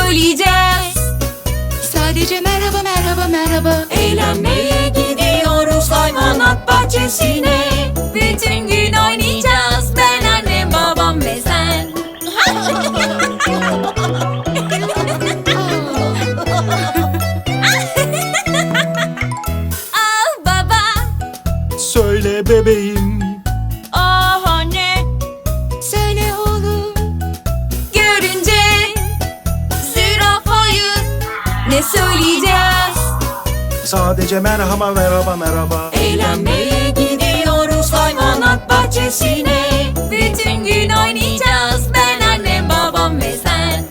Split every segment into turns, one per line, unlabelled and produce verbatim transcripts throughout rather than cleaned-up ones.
söyleyeceğiz? Sadece merhaba merhaba merhaba. Eğlenmeye gidiyoruz hayvanat bahçesine. Bütün gün oynayacağız, ben, annem, babam ve sen. Ah baba,
Söyle bebeğim.
ah anne, söyle oğlum. Görünce zürafayı ne söyleyeceğiz?
Sadece merhaba merhaba merhaba.
Eğlenmeye gidiyoruz hayvanat bahçesine. Bütün gün oynayacağız, ben, annem, babam ve sen.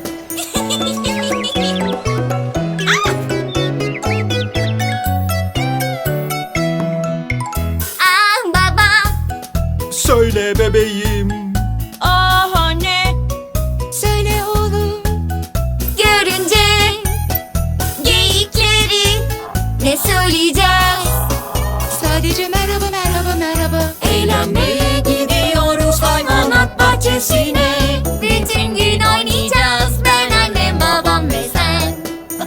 Ah baba,
Söyle bebeğim.
ah anne, söyle oğlum. Görünce geyikleri ne söyleyeceğiz? Sadece merhaba merhaba merhaba. Eğlenmeye gidiyoruz hayvanat bahçesine. Bütün gün oynayacağız, ben, annem, babam ve sen.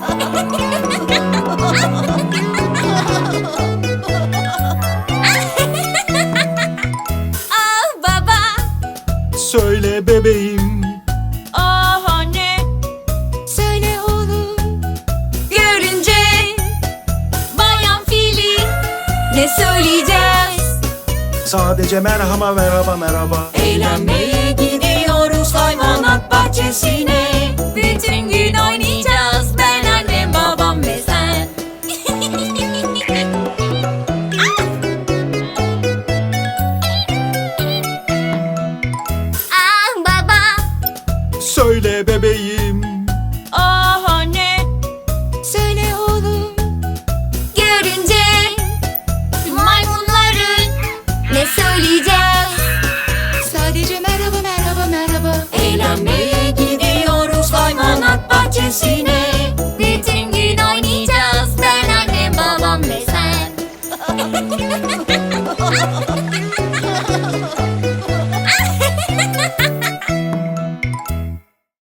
Ah baba,
Söyle bebeğim.
ah anne, söyle oğlum. Görünce bayan fili ne söyleyeceğiz?
Sadece merhaba merhaba merhaba.
Eğlenmeye gidiyoruz hayvanat bahçesine. Bütün gün oynayacağız, ben, annem, babam ve sen. Ah baba,
Söyle bebeğim.
ah anne, söyle oğlum. Görünce maymunları ne söyleyeceğiz? Sadece merhaba merhaba merhaba. Eğlenmeye gidiyoruz hayvanat bahçesine.